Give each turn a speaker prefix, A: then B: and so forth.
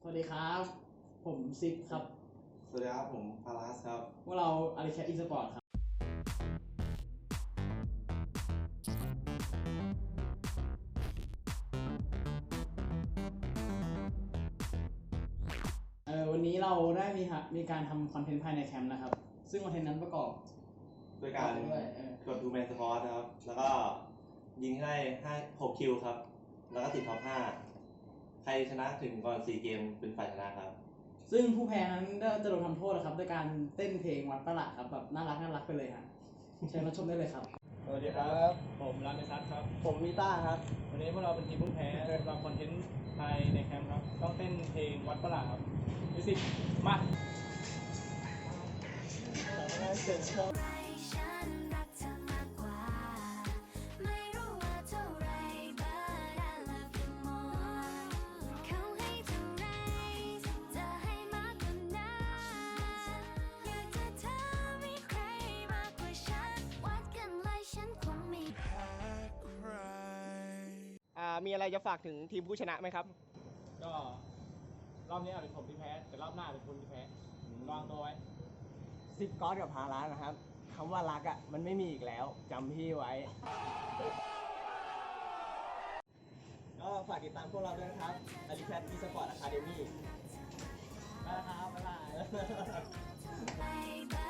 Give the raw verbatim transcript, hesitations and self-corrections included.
A: สวัสดีครับ ผมซิกครับ
B: สวัสดีครับผมพาราสครับ
A: พวกเราอาริแคทอีสปอร์ตครับเออวันนี้เราได้มีฮะมีการทำคอนเทนต์ภายในแคมป์นะครับ ซึ่งคอนเทนต์นั้นประกอบ
B: ด้วยการกดดูแมนสปอร์ตนะครับ แล้วก็ยิงให้ห้าหกคิวครับ แล้วก็ติดท็อปห้าใครชนะถึงก่อนสี่เกมเป็นฝ่ายชนะครับ
A: ซึ่งผู้แพ้นั้นก็จะโดนทำโทษนะครับด้วยการเต้นเพลงวัดประหลาดครับแบบน่ารักน่ารักไปเลยฮะเชิญรับชมได้เลยครับ
C: สวัสดีครับ ผมรามเมซัสครับ
A: ผมมิต้าครับ
C: วันนี้พวกเราเป็นทีมผู้แพ้สำหรับคอนเทนต์ภายในแคมป์ครับ ต้องเต้นเพลงวัดประหลาดครับมิวสิกมา
D: มีอะไรจะฝากถึงทีมผู้ชนะไหมครับ
C: ก็รอบนี้อาจเป็นผมที่แพ้ แต่รอบหน้าเป็นคุณที่แพ้ระวังตัวไว้
D: ซิปก๊อตกับพารานะครับคำว่ารักอ่ะมันไม่มีอีกแล้วจำพี่ไว้ ก็ฝากติดตามพวกเราด้วยนะครับอาริแคทอีสปอร์ตอะคาเดมี่
A: ไปแล้วครับบ๊ายบาย